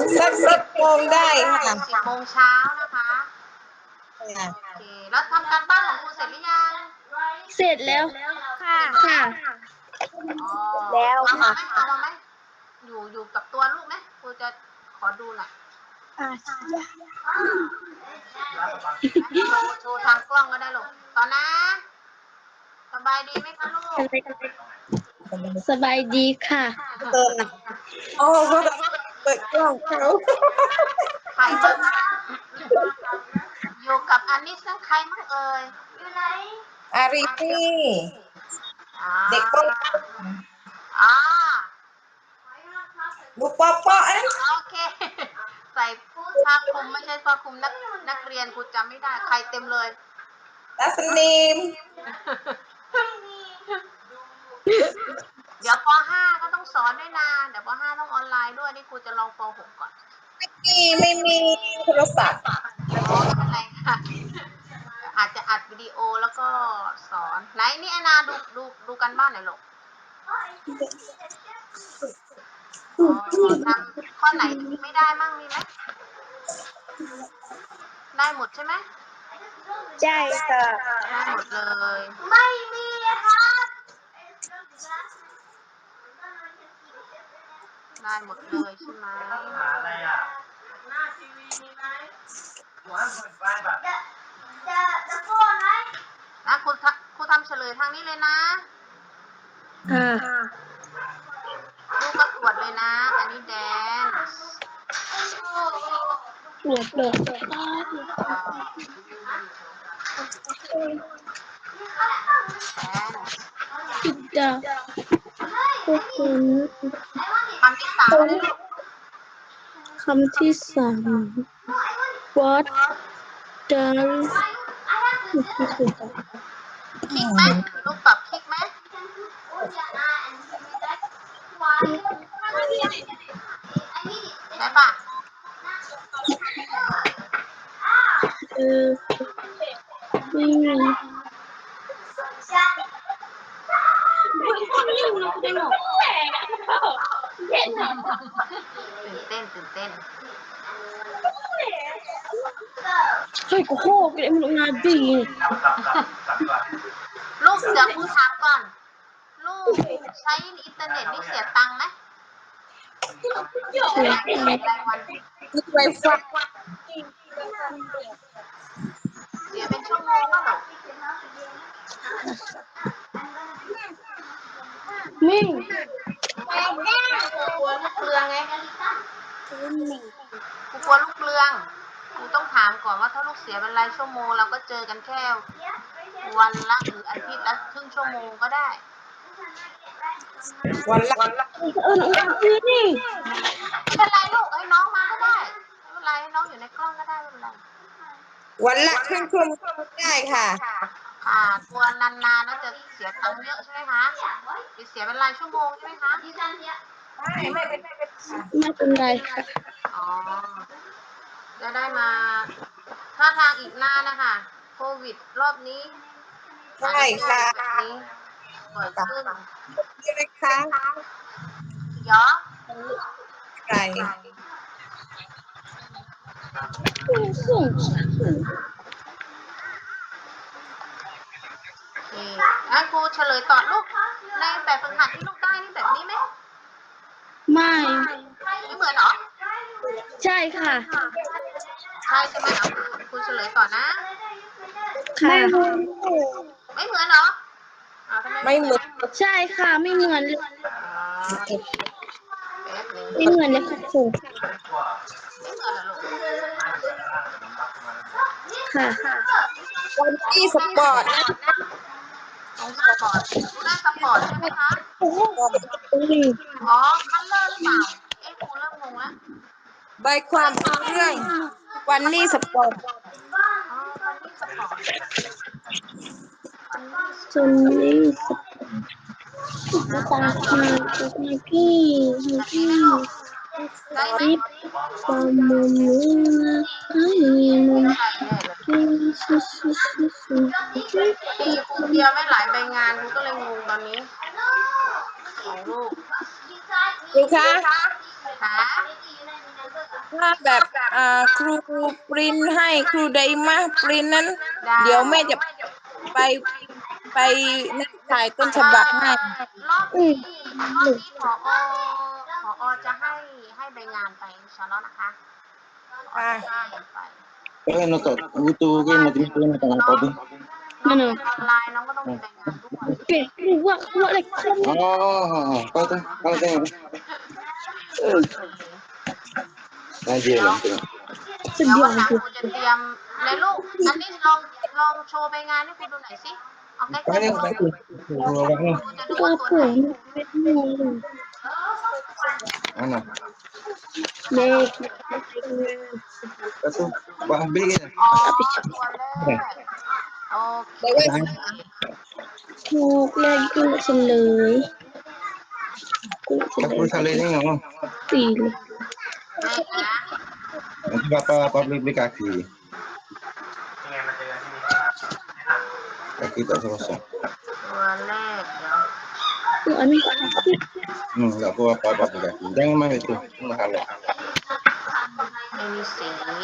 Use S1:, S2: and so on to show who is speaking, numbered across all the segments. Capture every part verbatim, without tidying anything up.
S1: สักสิบโมงได้ค่ะ
S2: สิบโมงเช้านะคะ
S1: ค่ะ
S2: โอเคแล้วทำการบ้านของครูเสร็จหรือยัง
S3: เสร็จแล้วค่ะค่ะ
S2: อ๋อ
S3: แล้ว
S2: เอามา
S3: ค่ะ
S2: ไหมเอามาไหมอยู่อยู่กับตัวลูกไหมครูจะขอดูหน่อย
S3: อ่ะ
S2: โชว์โชว์ทางกล้องก็ได้ลูกตอนนะสบายดีไหมคะลูก
S3: สบายดีค่ะ
S1: เติมนะโอ้โหเปิดกล้องเขา
S2: ใครบ้างอยู่กับอันนี้ซึ่งใครมั่งเอ่ยอยู่ไหน
S1: อารีฟี่
S2: อ่า
S1: เด็กป้อง
S2: อ่า
S1: ลูกป๊อปป๊อนะ
S2: โอเค ใส่ผ้าคลุมไม่ใช่ผ้าคลุมนักนักเรียนกูจำไม่ได้ใครเต็มเลย
S1: ตัสนีม
S2: เดี๋ยวป .ห้า ก็ต้องสอนด้วยนะเดี๋ยวป .ห้า ต้องออนไลน์ด้วยนี่ครูจะลองป .หก ก่อน
S1: เมื่อกี้ไม่มีโทรศัพท์
S2: อ๋อไม่เป็นไรค่ะ อาจจะอัดวิดีโอแล้วก็สอนไหนนี่แอนนาดูดูดูกันบ้านหน่อยลูกอ๋อทำข้อไหนไม่ได้มั่งมีไหมได้หมดใช่ไหม
S3: ใช่ค่ะ
S2: ได้หมดเลย ไม่มีครับได้หมดเลยใช่ไหมอะไรอ่ะหน้าทีวีมีไหมหัวเปิดไฟแบบจะจะจะโค่นไหมนะครูทำครูทำเฉลยทางนี้เลยนะ
S3: ค่ะ
S2: ลูกก็ตรวจเลยนะ อันนี้แดน
S3: ปวดปวด
S2: แดน
S3: จิตจะพวกคุณ
S2: คำที่สามเลยลูก
S3: คำที่สาม what does ที่สุดอะ
S2: คลิกไหมลูกปรับคลิกไหมได้ปะ
S3: เออไม่มี
S2: ตื่นเต้นตื่นเต้น
S3: เฮ้ยกูโคกเลยมันงานดี
S2: ลูกเดี๋ยวครูถามก่อน ลูกใช้อินเทอร์เน็ตนี่เสียตังค์ไหม
S3: เสียใจ
S2: รายวัน
S1: มีไวไฟ
S2: เสียเป็นชั่วโมงก็หรอ
S3: มิ่ง
S2: กลัวลูกเปลืองไงกูกลัวลูกเปลืองกูต้องถามก่อนว่าถ้าลูกเสียเป็นรายชั่วโมงเราก็เจอกันแค่วันละหรืออาทิตย์ละครึ่งชั่วโมงก็ได้
S1: วันละ
S3: เออเออคือนี่
S2: ไม่เป็นไรลูกให้น้องมาก็ได้ไม่เป็นไรให้น้องอยู่ในกล้องก็ได้ไม่เป็นไร
S1: วันละครึ่งชั่วโมงได้ค่ะ
S2: ค่ะกลัวนานๆแล้วจะเสียตังค์เยอะใช่ไหมคะจะเสียเป็นรายชั่วโมงใช่ไหมคะ
S1: ไม่ไม่เป็นไร
S3: ไม่เป็นไรค่ะ
S2: อ๋อจะได้มาถ้าทางอีกนานนะคะโควิดรอบนี้
S1: ใช่ค่ะ
S2: แบบนี้บ่อยขึ้น
S1: นี่นะคะ
S2: เยอะ
S1: ไก่
S3: ส่ง
S2: โอเคงั้นครูเฉลยต่อลูกในแบบฝึกหัดที่ลูกได้นี่แบบนี้ไหม
S3: ไม่
S2: ไม่เหมือนเหรอ
S3: ใช่ค่ะ
S2: ใช่ใช่ไหมเอาครูครูเฉลยต่อนะ
S3: ค่ะ
S2: ไม่เหมือนเหรออ้าวทำไม
S1: ไม่เหมือน
S3: ใช่ค่ะไม่เหมือนเลย
S2: อ่าแป๊บนึง
S3: ไม่เหมือนเลยค่ะครู
S2: ไม่เหมือนเหรอลูก
S3: ค่ะ
S1: วันที่สปอร์ตนะ
S2: ต้องสปอร์ตดูได้สปอร์ตใช่ไหมคะ
S3: โอ้โหนี่
S2: อ๋อ คัลเลอร์หรือเปล่า เอ๊ะครูเริ่มงงแล้ว
S1: ใบความรู้เรื่อง วันนี้สปอร์ต
S2: อ๋อคันนี่สปอร์ตคันนี่ส
S3: จนนี่สมาตามมาจากไหนพี่พี่
S2: ได้ไหม
S3: รีบความมุมนี้นะให้มัน
S2: ใช่แน่เลย
S3: กินชิชิชิชิชิ
S2: ดีครูเตรียมไม่หลายใบงานครูก็เลยงงตอนนี้ ของลูก
S1: ดูคะ
S2: หา
S1: ถ้าแบบอ่าครูปริ้นให้ครูไดมาปริ้นนั้น
S2: ได้
S1: เดี๋ยวแม่จะไปไปนัดถ่ายต้นฉบับให้
S2: รอบ
S3: อื
S2: นี้
S3: ม
S2: รอบนี้ผอผอจะให้ให้ใบงานไปอินชาอัลลอฮ์นะคะผอจะให้ไป
S4: Kaya nonton YouTube kayak nanti itu nonton
S2: น้
S4: apa
S2: อง
S4: tuh?
S2: น้องเรียนออนไลน์น้องก็ต้องมีใบงานด้วย
S3: เป็ดรู้ว่าว่าอะไรคน
S4: Oh, apa tuh? Kalau tengok
S3: เออ
S4: aja lah tengok.
S3: สุด
S2: เดี๋ยวย
S3: อ
S2: วัน
S3: ด
S2: หลัง
S3: จริง
S2: ครูจะเตรียมในลูกอันนี้ลองลองโชว์ใบงานให้ครูดูหน่อยสิเอาใกล้ๆ
S4: Banyak
S2: ครู
S4: sekali. Orangnya
S2: ครูจะดู
S3: ก็
S2: ว่าตัว
S3: ผ
S2: ไหน
S3: มเป็นงง
S4: mana?
S3: เด็ก
S4: Satu Bang B kan?
S2: อ๋อตัวแรกโอเค
S3: ถูกเลยกูเฉลยกูเฉล
S4: Aku
S3: ย
S4: salah ini nggak mau.
S3: สี่เลย
S2: เลขนะ
S4: Nanti bapak bapak beli beli kaki. Kaki tak selesai.
S2: ตัวแรกเดี๋ยว
S3: คืออันนี้
S4: Hmm, nggak apa apa bapak beli kaki. Jangan main itu mahal ya.
S2: ไม่มีสี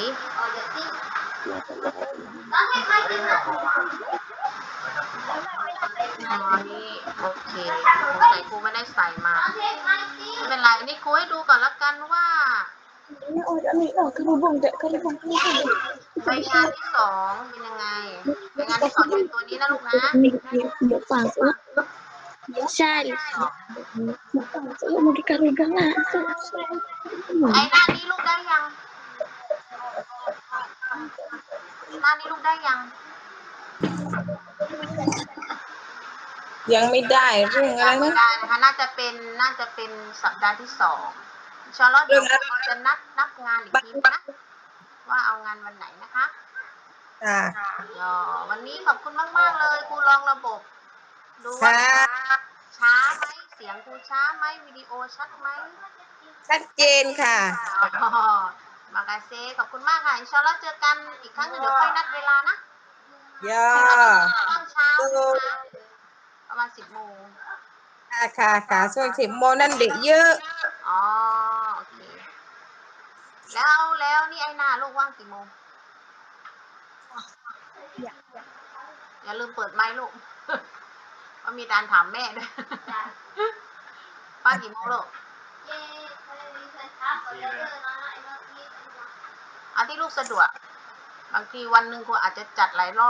S2: อ๋อนี่โอเคสงสัยครูไม่ได้ใส่มาไม่เป็นไรอันนี้ครูให้ดูก่อนละกันว่า
S3: โอ้ยอันนี้ออกกระบองแต่กระบองกระบอง
S2: ใบงานที่สองเป็นยังไงใบงานที่สองจะเป็นตัวนี้นะลูกนะ
S3: มีหมูป่าซุปใช่หมูป่าซุปมันการุกังอ่ะ
S2: ไอ้หน้านี้ลูกได้ยังหน้านี้ลูกได้ยัง
S1: ยังไม่ได้เรื่องอะไร
S2: ยังไม่
S1: นะ
S2: ได้นะคะน่าจะเป็นน่าจะเป็นสัปดาห์ที่สองอินชาอัลลอฮ์เดี๋ยวเราจะนัดนับงานอีกทีนะว่าเอางานวันไหนนะคะ
S1: ค่ะ
S2: อ๋อวันนี้ขอบคุณมากๆเลยครูลองระบบ ดูว่า
S1: ค่ะ
S2: ช้าไหมเสียงครูช้าไหมวิดีโอชัดไหม
S1: ชัดเจนค่ะ
S2: อ๋อมากาเซขอบคุณมากค่ะอินชาอัลลอฮ์เจอกันอีกครั้งหนึงเดี๋ยวค่อยนัดเวลานะ
S1: ย่อ
S2: ตอนเช้านะคะประมาณสิบโมง
S1: ค่ะค่ะค่ะส่วนสิบโมงนั่นเด็กเยอะ
S2: อ๋อโอเคแล้วแล้วนี่ไอ้หน้าลูกว่างกี่โมงอย่าลืมเปิดไมค์ลูก ว่ามีการถามแม่ด้วย ว่างกี่โมงลูกอันที่ลูกสะดวกบางทีวันหนึ่งครูอาจจะจัดหลายรอบ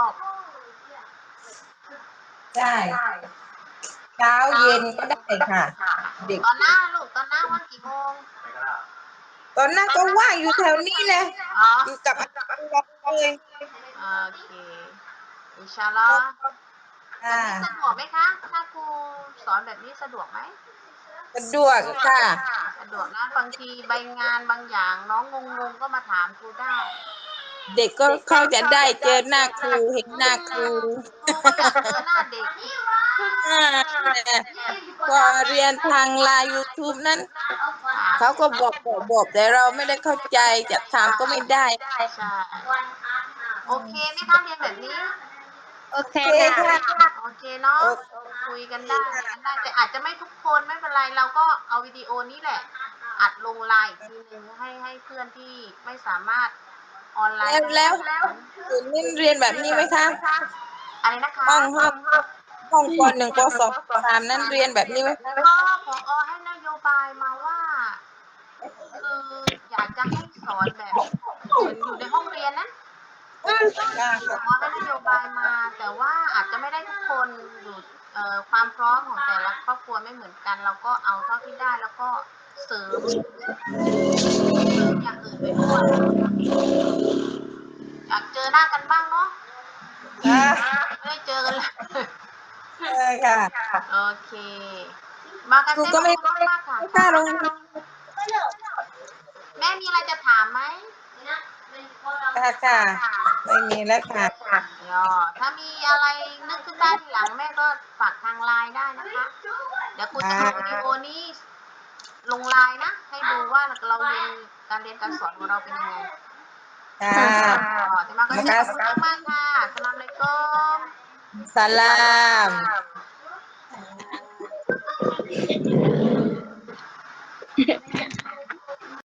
S1: ใช่เช้าเย็นก็ได้ค่ะ เด็ก
S2: ตอนหน้าลูกตอนหน้าว่างกี่โมง
S1: ตอนนั้นก็ว่างอยู่แถวนี้เลย
S2: อ๋อ
S1: อยู่กับอาจารย์เลย
S2: โอเคอินชาอัลลอฮ์
S1: ค่ะ
S2: สะดวกไหมคะถ้าครูสอนแบบนี้สะดวกไหม
S1: สะดวกค่ะ
S2: สะดวกนะบางทีใบงานบางอย่างน้องงงๆก็มาถามครูได้
S1: เด็กก็เข้าจะได้เจอหน้าครูเห็นหน้าครู
S2: ครูก็อยากเจอหน้าเด็ก
S1: อ่าพอเรียนทางไลน์ YouTube นั้น เขาก็บอกบอกบอกแต่เราไม่ได้เข้าใจจะถามก็ไม่ได้
S2: ใช่โอเคไหมคะเรียนแบบนี้
S3: โอเค
S1: โอเค
S3: ค่ะ
S1: ค่ะ
S2: โอเคเนาะ
S1: โอเค
S2: คุยกันได้คุยกันได้แต่อาจจะไม่ทุกคนไม่เป็นไรเราก็เอาวิดีโอนี้แหละ อัดลงไลน์อีกทีหนึ่งให้ให้เพื่อนที่ไม่สามารถออนไลน์
S1: แล้ว
S2: ได้
S1: ศูนย์นี่เรียนแบบนี้ไหมคะ
S2: อะไรนะคะ
S1: ห้องห้องห้องปหนึ่งปสองปสามนั้นเรียนแบบนี้ไหม
S2: ก็ผอให้นโยบายมาว่า คืออยากจะให้สอนแบบเหมือนอยู่ในห้องเรียนนะผอให้นโยบายมา แต่ว่าอาจจะไม่ได้ทุกคนอยู่เอ่อความพร้อมของแต่ละครอบครัวไม่เหมือนกัน เราก็เอาเท่าที่ได้แล้วก็เสริมเสริมอย่างอื่นไปด้วยอยากเจอหน้ากันบ้างเนาะ
S1: อ่า
S2: ไม่ได้เจอกันเลย
S1: เออค่ะ
S2: โอเค มากัน
S1: ครู
S2: เต้
S1: ก็ไม่
S2: ขอบคุณมากค่ะ
S1: ไม่กล้าลง
S2: แม่มีอะไรจะถามไหม
S1: ค่ะค่ะไม่มีแล้วค่ะ
S2: ย่อถ้ามีอะไรนึกขึ้นได้ทีหลังแม่ก็ฝากทางไลน์ได้นะคะ เดี๋ยวครูจะเอาวิดีโอนี้ลงไลน์นะ ให้ดูว่าเราเรียนการเรียนการสอนของเราเป็นยังไง
S1: ค่ะ
S2: อ๋อที่มาก็ขอบคุณมากค่ะสลามอะลัยกุม
S1: สลาม